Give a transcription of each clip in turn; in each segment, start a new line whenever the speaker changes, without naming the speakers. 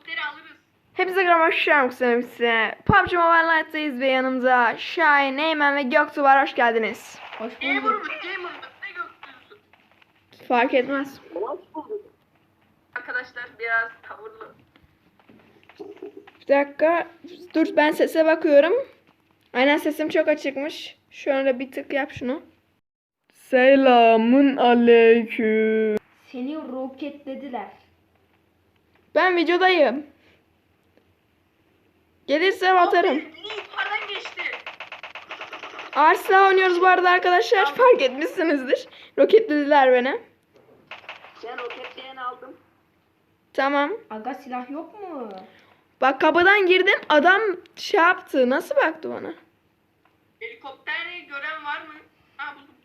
helikopteri alırız.
Hepinize merhaba, hoş geldiniz size. PUBG Mobile Lite'dayız ve yanımızda Şahin, Eymen ve Göktuğ var. Hoş geldiniz.
Hoş
Gamer
bulduk.
mı? Gamer mı? Ne göktürüsün?
Fark etmez.
Hoş bulduk.
Arkadaşlar biraz tavırlı.
Bir dakika. Dur, ben sese bakıyorum. Aynen, sesim çok açıkmış. Şöyle bir tık yap şunu. Selamun aleyküm.
Seni roketlediler.
Ben videodayım. Gelirse atarım.
Yukarıdan geçti.
Arsla oynuyoruz bu arada arkadaşlar. Fark etmişsinizdir. Roketlediler beni.
Ben roketleyen aldım.
Tamam.
Aga silah yok mu?
Bak, kapıdan girdim. Adam şey yaptı. Nasıl baktı bana?
Helikopteri gören var mı? Ha buldum.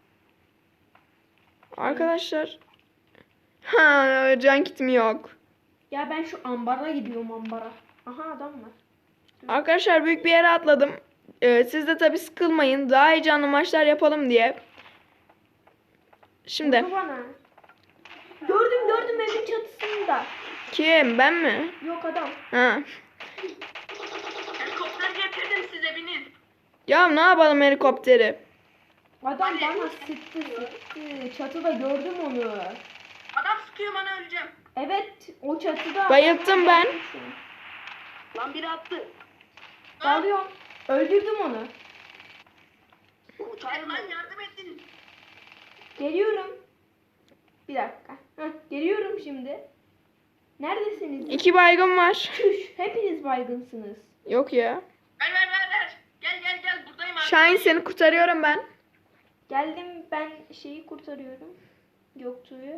Arkadaşlar. Ha, can kitim yok.
Ya ben şu ambara gidiyorum ambara. Aha adam var.
Arkadaşlar, büyük bir yere atladım. Siz de tabii sıkılmayın. Daha heyecanlı maçlar yapalım diye. Şimdi.
Vurdu bana. Gördüm evin çatısında.
Kim? Ben mi?
Yok adam.
Ha.
Helikopter getirdim size binin.
Ya ne yapalım helikopteri?
Adam bana sıktı. Çatıda gördüm onu.
Adam sıkıyor bana öleceğim.
Evet o çatıda.
Bayılttım ben.
Lan biri attı.
Lan,
Dalıyorum. Öldürdüm onu.
lan yardım edin.
Geliyorum. Bir dakika. Heh, geliyorum şimdi. Neredesiniz?
2 baygın var.
Çüş. Hepiniz baygınsınız.
Yok ya.
Ver. Gel buradayım abi.
Şahin, seni kurtarıyorum ben.
Geldim ben şeyi kurtarıyorum. Göktuğ'u.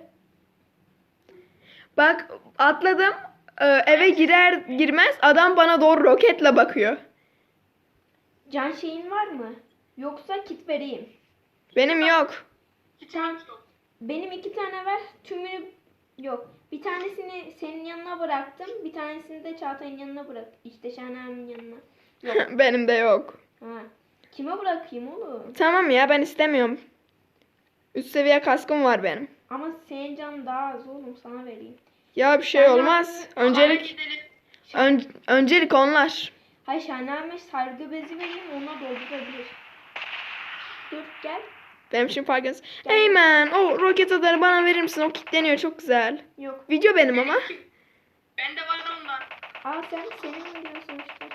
Bak, atladım. Eve girer girmez adam bana doğru roketle bakıyor.
Can şeyin var mı? Yoksa kit vereyim.
Benim yok.
Tamam. Yok.
Benim 2 tane ver. Tümünü yok. Bir tanesini senin yanına bıraktım. Bir tanesini de Çağatay'ın yanına bırak. İşte Şahin'in yanına. Yok.
Benim de yok.
Ha. Kime bırakayım oğlum?
Tamam ya, ben istemiyorum. Üst seviye kaskım var benim.
Ama senin canın daha az oğlum, sana vereyim.
Ya bir şey olmaz.
Hadi
Öncelik
gidelim.
öncelik onlar.
Hayır Şahin'e sargı bezi vereyim, ona doldurabilir. Dur gel.
Benim için fark etmez. Eymen, o roket atarı bana verir misin? O kilitleniyor, çok güzel.
Yok.
Video benim ama.
Bende var ondan.
Senin diyorsun işte.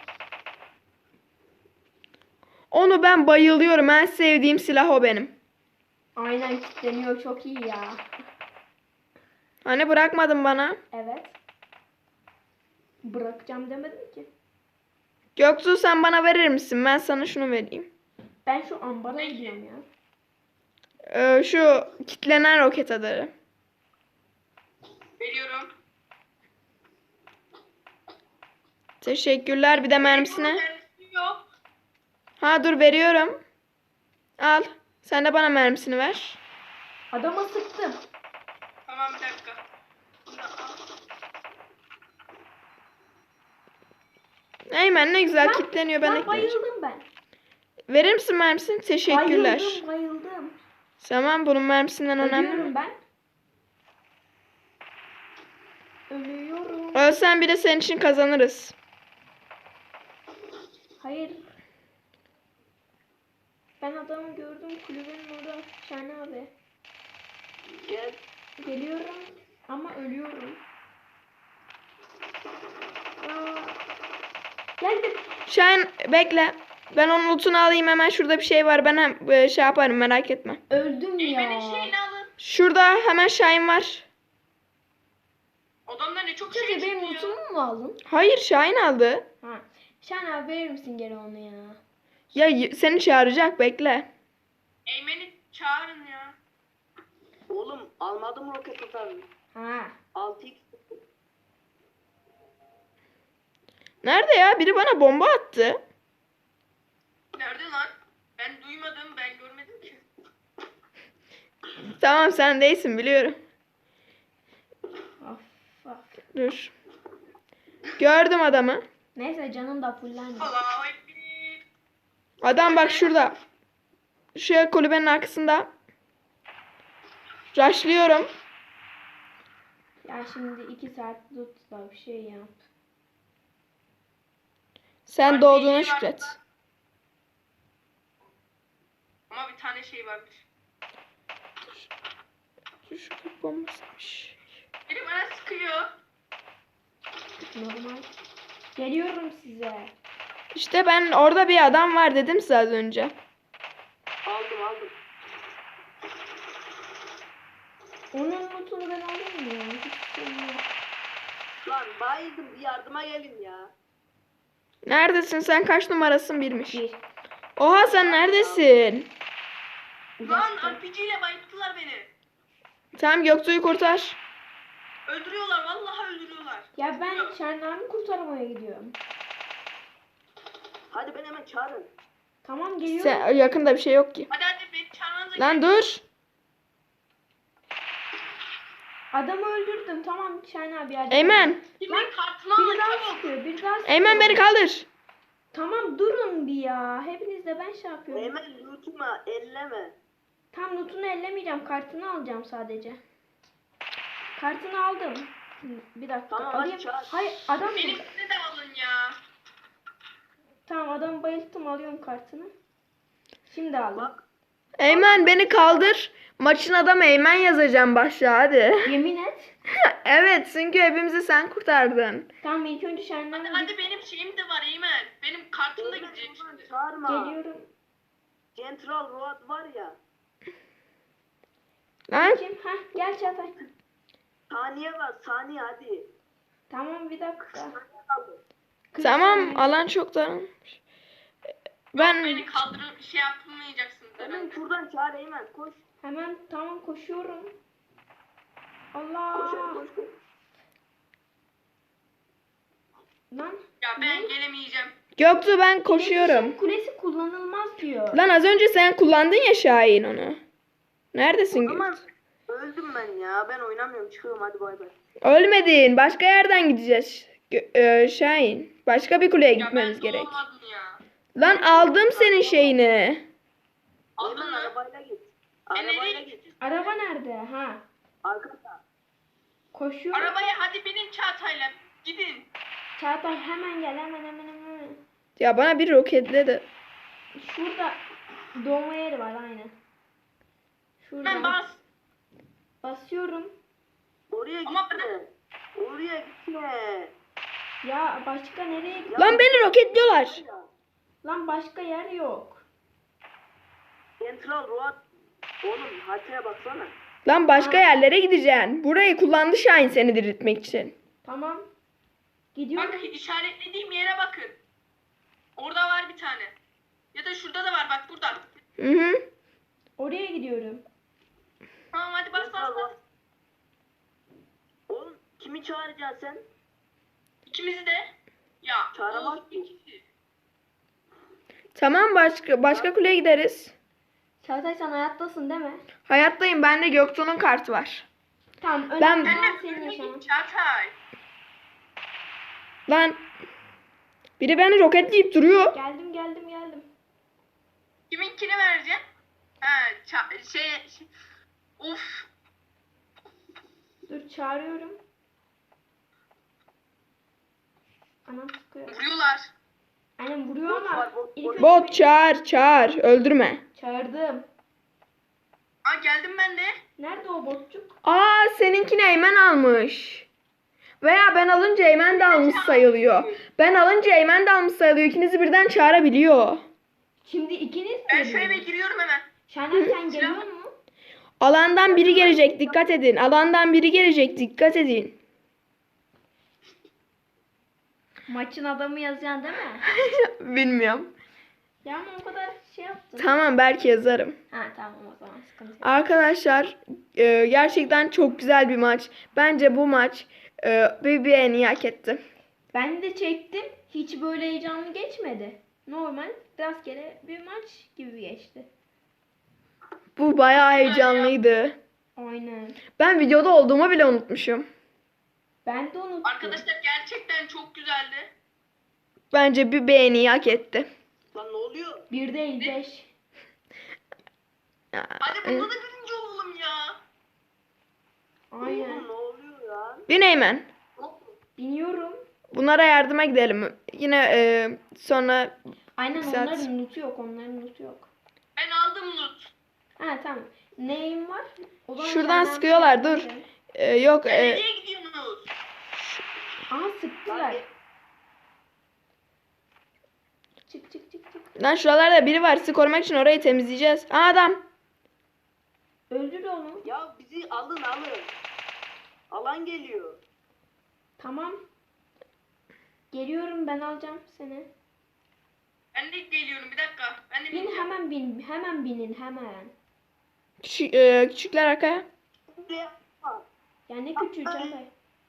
Onu ben bayılıyorum. En sevdiğim silah o benim.
Aynen kilitleniyor, çok iyi ya.
Hani bırakmadın bana?
Evet. Bırakacağım demedim ki.
Göktuğ, sen bana verir misin? Ben sana şunu vereyim.
Ben şu ambara gidiyorum ya.
Şu kilitlenen roket atarı.
Veriyorum.
Teşekkürler. Bir de mermisine.
Mermisi yok.
Ha, dur veriyorum. Al. Sen de bana mermisini ver.
Adama sıktım.
Tamam bir dakika. Bunu al.
Eymen, ne güzel
Lan-
kilitleniyor. Ben
Lan
ekleyeceğim.
bayıldım ben.
Verir misin mermisini? Teşekkürler.
Bayıldım.
Tamam, bunun mermisinden önemli
Ölüyorum
mi?
ben. Ölüyorum.
Ölsen bile senin için kazanırız.
Hayır. Ben adamı gördüm kulübenin orada. Şahane abi. Geliyorum ama ölüyorum. Aa, geldim.
Şahin, bekle. Ben onun lootunu alayım hemen. Şurada bir şey var. Ben şey yaparım, merak etme.
Öldüm
Eymen'in
ya.
şeyini alın.
Şurada hemen Şahin var.
Odamda ne çok şey
Sizce benim
çıkıyor.
lootumu mu aldın?
Hayır, Şahin aldı.
Ha. Şahane abi verir misin geri onu ya?
Ya seni çağıracak, bekle.
Eymen'i çağırın ya.
Oğlum almadım roket atarını.
Ha.
6x
Nerede ya? Biri bana bomba attı.
Nerede lan? Ben duymadım, ben görmedim ki.
Tamam, sen değilsin, biliyorum.
Of.
Dur. Gördüm adamı.
Neyse canım da fullendi.
Allahu Ekber.
Adam bak şurada. Şu kulübenin arkasında. Rushlıyorum.
Ya şimdi 2 saat tutla bir şey yap.
Sen
Başka
doğduğuna
bir şey var
şükret.
mı? Ama bir tane şey varmış.
Şu kapı bombasıymış.
Biri bana sıkıyor.
Normal. Geliyorum size.
İşte ben orada bir adam var dedim size az önce.
Aldım.
Onun notunu ben alayım mı ya? Hiç şey yok.
Lan bayıldım, bir yardıma gelin ya.
Neredesin sen? Kaç numarasın birmiş.
1.
Oha sen neredesin?
Lan RPG ile bayılttılar beni.
Tamam Göktuğ'u kurtar.
Öldürüyorlar, vallahi öldürüyorlar.
Ya ben Şenlerimi kurtarmaya gidiyorum.
Hadi ben hemen çağırın.
Tamam geliyorum.
Sen, yakında bir şey yok ki.
Hadi beni çağırmanıza
Lan
gerek yok.
dur.
Adamı öldürdüm. Tamam Şen abi yardım.
Eymen.
Şimdi kartımı
Biri
alın
daha
çabuk.
sıkıyor. Biri daha sıkıyor.
Eymen beni kaldır.
Tamam durun bir ya. Hepiniz de ben şey yapıyorum.
Hemen lootuma elleme.
Tam notunu ellemeyeceğim. Kartını alacağım sadece. Kartını aldım. Bir dakika.
Tamam, hadi
alayım.
çağır.
Hayır adam
Benimkini de alın ya.
Tamam adamı bayılttım. Alıyorum kartını. Şimdi aldım.
Bak
Eymen beni kaldır. Maçın adamı Eymen yazacağım başlığa hadi.
Yemin et.
Evet çünkü hepimizi sen kurtardın.
Tamam ilk önce Şenler'e
Hadi benim şeyim de var Eymen. Benim kartım da
Eymen,
gidecek
Eymen,
şimdi.
çağırma.
geliyorum.
Central Road var ya.
Lan
Kim? Heh gel Çağatay.
Saniye var, saniye hadi.
Tamam bir dakika.
Saniye kaldı.
40
tamam
saniye.
alan çok daralmış. Ben
Beni kaldırıp şey yapmayacaksınız
Hemen
herhalde.
şuradan çağır Eymen, koş.
Hemen tamam koşuyorum.
Koş,
Allah.
koş, koş.
Lan.
Ya ben gelemeyeceğim.
Göktuğ ben koşuyorum.
İletişim kulesi kullanılmaz diyor.
Lan az önce sen kullandın ya Şahin onu. Neredesin
Aman
Göktuğ?
öldüm ben ya. Ben oynamıyorum. Çıkıyorum hadi bay bay.
Ölmedin. Başka yerden gideceğiz. Şahin. Başka bir kuleye
Ya ben
gitmemiz gerek.
doğmadım ya.
Lan aldım senin şeyini.
Aldın
Eymen
mı?
arabayla git.
Ben nereye
Arabayla git.
gideceğim?
Araba nerede? Ha.
Arkada.
Koşuyorum.
Arabaya hadi binin Çağatay'la. Gidin.
Çağatay hemen gel hemen.
Ya bana bir roketle de.
Şurada doğma yeri var aynen. Şurada.
Ben bas.
Basıyorum.
Oraya
Ama
gitme. Oraya gitme.
Ya başka nereye git?
Lan beni roketliyorlar.
Lan başka yer yok.
Central Road. Oğlum haritaya baksana.
Lan başka yerlere gideceksin. Burayı kullandı Şahin seni diriltmek için.
Tamam. Gidiyorum.
Bak işaretlediğim yere bakın. Orada var bir tane. Ya da şurada da var bak burada.
Hı hı.
Oraya gidiyorum.
Tamam hadi bas bas bas.
Oğlum kimi çağıracaksın sen?
İkimizi de. Ya.
Çağıramaz
of,
ki.
ikisi.
Tamam başka kuleye gideriz.
Çağatay sen hayattasın değil mi?
Hayattayım. Bende Göktuğ'un kartı var.
Tamam
Ben-
önemli
Ben
olan
de
senin
ölmedim
yaşamın.
Çağatay.
Lan biri beni roketleyip duruyor.
Geldim.
Kiminkini vereceksin? Ha şey. Of.
Dur çağırıyorum. Anam sıkıyor.
Vuruyorlar.
Annem vuruyor
Bot
ama
var, bot,
ilk
bot.
önce
Bot
beni-
çağır. Öldürme.
Çağırdım.
Aa geldim ben de.
Nerede o botçuk?
Aa seninkini Eymen almış. Veya ben alınca Eymen de almış sayılıyor. Ben alınca Eymen de almış sayılıyor. İkinizi birden çağırabiliyor.
Şimdi ikiniz mi?
Ben şu eve
geliyorsunuz?
giriyorum hemen.
Şener sen geliyor mu?
Alandan biri gelecek dikkat edin. Alandan biri gelecek dikkat edin.
Maçın adamı yazacaksın değil mi?
Bilmiyorum.
Ya ama o kadar şey yaptın.
Tamam belki yazarım.
Ha tamam o zaman sıkıntı yok.
Arkadaşlar gerçekten çok güzel bir maç. Bence bu maç bir beğeni hak etti.
Ben de çektim. Hiç böyle heyecanlı geçmedi. Normal rastgele bir maç gibi geçti.
Bu bayağı heyecanlıydı.
Aynen.
Ben videoda olduğumu bile unutmuşum.
Ben de unuttum.
Arkadaşlar gerçekten çok güzeldi.
Bence bir beğeni hak etti.
Lan ne oluyor?
Bir değil 5.
Ya,
Hadi bunda da birinci olalım ya.
Aynen.
Oğlum ne oluyor ya?
Bin Eymen.
Biniyorum.
Bunlara yardıma gidelim. Yine sonra
Aynen
Saat.
onların lootu yok. Onların lootu yok.
Ben aldım loot.
Ha tamam. Neyim var? O zaman
şuradan
Canan
sıkıyorlar,
bir-
dur. Yok
Nereye gidiyorsunuz?
Aha sıktılar.
Lan
Çık çık çık çık.
lan şuralarda biri var. Sizi korumak için orayı temizleyeceğiz. Aa, adam.
Öldür onu.
Ya bizi alın. Alan geliyor.
Tamam. Geliyorum ben alacağım seni.
Ben de geliyorum bir dakika. Ben de
Bin
bineceğim.
hemen bin. Hemen binin hemen.
Küçükler arkaya.
Buraya yapma.
Ya ne küçüğü Çağatay.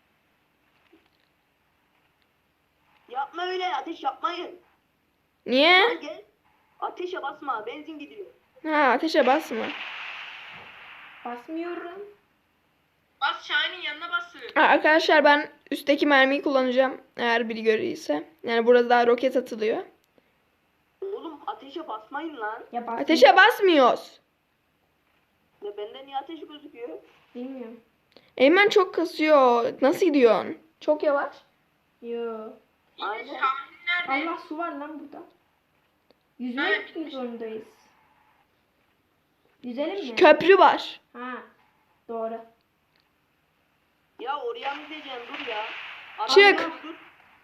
Yapma öyle, ateş yapmayın.
Niye?
Lan gel. Ateşe basma, benzin gidiyor.
Ha, ateşe basma.
Basmıyorum.
Bas Şahin'in yanına basın.
Ha, arkadaşlar ben üstteki mermiyi kullanacağım. Eğer biri görürse. Yani burada daha roket atılıyor.
Oğlum ateşe basmayın lan.
Ya basmıyorum.
Ateşe basmıyoruz.
Ya bende niye ateş gözüküyor?
Bilmiyorum.
Eymen çok kasıyor. Nasıl gidiyorsun? Çok yavaş.
Yo.
Yine
Aynen.
Şahin nerede?
Allah su var lan burada. Yüzmeye
Evet,
gitmek
bitmiş.
zorundayız. Yüzelim mi?
Köprü var.
Ha. Doğru.
Ya oraya mı gideceksin, dur ya. Adam
Çık.
yok, dur.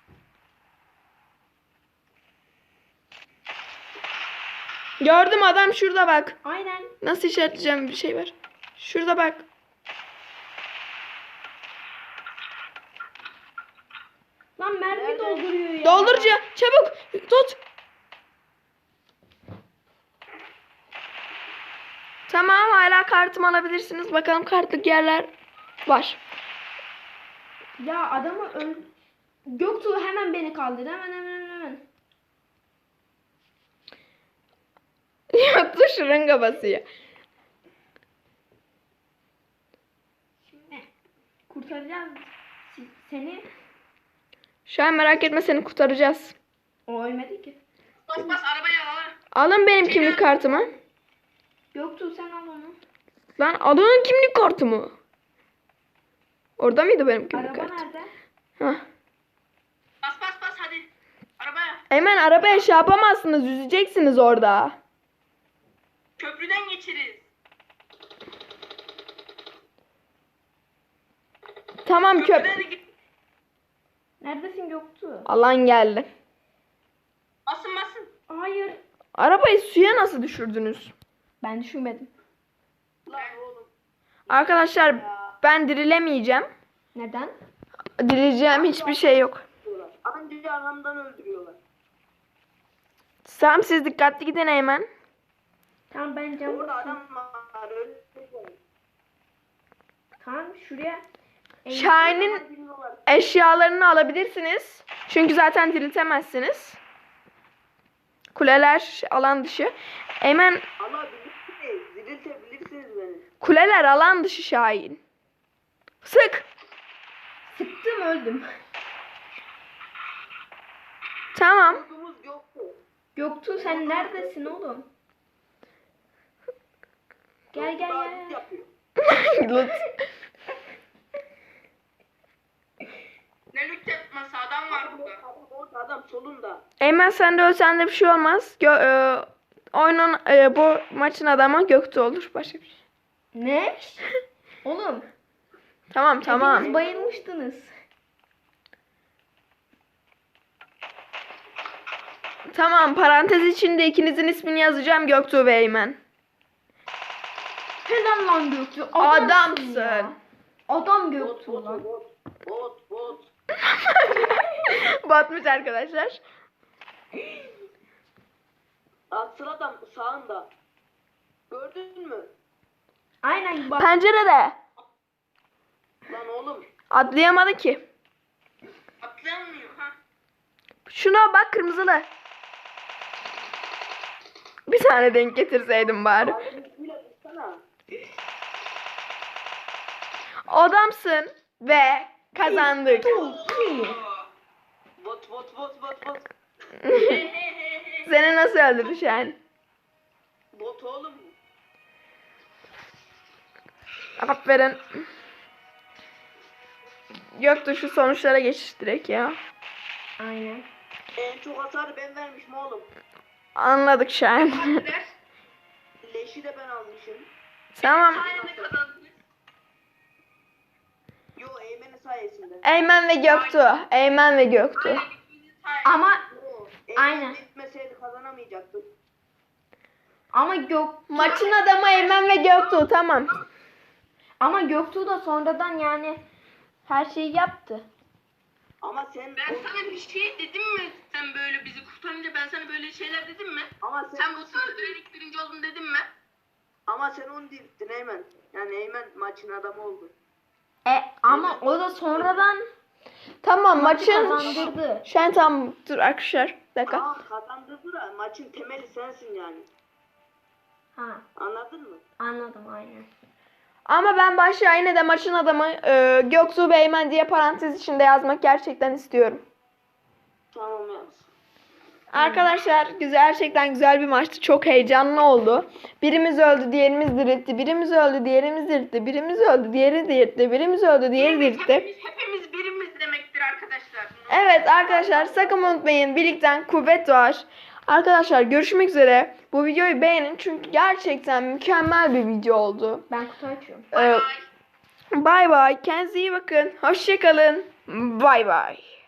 Gördüm, adam şurada bak.
Aynen.
Nasıl işaretleyeceğim bir şey var. Şurada bak.
Lan mermi
Nerede?
dolduruyor ya.
Doldurucu çabuk tut. Tamam, hala kartımı alabilirsiniz. Bakalım kartlık yerler var.
Ya adamı Göktuğ hemen beni kaldır. Hemen.
Yatsı şırınga basıyor.
Şimdi kurtaracağız seni.
Şu an merak etme, seni kurtaracağız.
O ölmedi ki.
Bas arabaya al.
Alın benim kimlik kartımı.
Göktuğ sen al onu.
Lan alın kimlik kartımı. Orada mıydı benim kimlik
Araba
kartım?
nerede?
Hah.
Bas hadi. Arabaya.
Hemen arabaya şey yapamazsınız. Yüzeceksiniz orada.
Köprüden geçeriz.
Tamam
Köprüden
köp.
de git.
Neredesin Göktuğ?
Alan geldi.
Basın.
Hayır.
Arabayı suya nasıl düşürdünüz?
Ben düşünmedim.
Lan oğlum.
Arkadaşlar ben dirilemeyeceğim.
Neden?
Dirileceğim hiçbir şey yok.
Diyorlar. Anca arkamdan öldürüyorlar.
Tamam, siz dikkatli gidin Eymen.
Tamam ben camı
Orada adam var, öldürüyorlar.
Tamam şuraya.
Şahin'in
Bilmiyorlar.
eşyalarını alabilirsiniz. Çünkü zaten diriltemezsiniz. Kuleler alan dışı. Eymen,
Alabilirsiniz, diriltebilirsiniz beni.
kuleler alan dışı Şahin. Sık.
Sıktım öldüm.
Tamam.
Yurdumuz yoktu.
Göktuğ sen neredesin oğlum? Gel gel
Daha
gel.
yapıyor.
Lut.
Ne loot yapması adam var burada.
Adam orada, adam solunda.
Eymen sen de ölsen de bir şey olmaz. Oyunun bu maçın adamı Göktuğ olur. Başka bir şey.
Ne? Oğlum.
Tamam tamam.
Hepiniz bayılmıştınız.
Tamam, parantez içinde ikinizin ismini yazacağım, Göktuğ ve Eymen.
Helal lan Göktuğ.
Adamsın.
Ya. Adam
Bot,
Göktuğ
bot,
lan.
bot, bot, bot.
Batmış arkadaşlar.
Asıl adam sağında. Gördün mü?
Aynen bak.
Pencerede.
Lan oğlum.
Atlayamadı ki.
Atlanmıyor ha.
Şuna bak, kırmızılı. Bir tane denk getirseydim bari.
Abimizle tutsana.
Adamsın ve kazandık.
Bot, bot, bot, bot, bot.
Seni nasıl öldürdü Şahin?
Bot oğlum.
Aferin. Göktuğ şu sonuçlara geçiş direkt ya.
Aynen.
En çok hasarı ben vermişim oğlum.
Anladık Şahin.
Partiler.
Leşi de ben almışım.
Tamam.
Sayende kazandınız.
Yo Eymen'in sayesinde.
Eymen ve Göktuğ. Eymen ve Göktuğ.
Aynen, ikinci sayende.
Ama
Yo, Eymen
Aynen.
gitmeseydi kazanamayacaktım.
Maçın adamı Eymen ve Göktuğ, tamam.
Ama Göktuğ da sonradan yani her şeyi yaptı.
Ama sen
Ben sana bir şey dedim mi? Sen böyle bizi kurtarınca ben sana böyle şeyler dedim mi?
ama
Sen bu sırada ilk birinci oldun dedim mi?
ama sen onu dirittin Eymen. Yani Eymen maçın adamı oldu.
Ama o da sonradan
Tamam maçın...
kazandırdı.
Şahin tamam dur arkadaşlar. Bir dakika.
Tamam kazandırdı da maçın temeli sensin yani.
Ha,
Anladın mı?
anladım aynen.
Ama ben başta yine de maçın adamı Göktuğ ve Eymen diye parantez içinde yazmak gerçekten istiyorum.
Tamam yaz.
Arkadaşlar gerçekten güzel bir maçtı. Çok heyecanlı oldu. Birimiz öldü, diğerimiz diriltti. Birimiz öldü, diğerimiz diriltti. Birimiz öldü, diğeri diriltti. Birimiz öldü, diğeri diriltti.
Hepimiz birimiz demektir arkadaşlar.
Evet arkadaşlar sakın unutmayın. Birlikten kuvvet doğar. Arkadaşlar görüşmek üzere. Bu videoyu beğenin çünkü gerçekten mükemmel bir video oldu.
Ben kutu açıyorum.
Bay bay.
Bay bay. Kendinize iyi bakın. Hoşçakalın. Bay bay.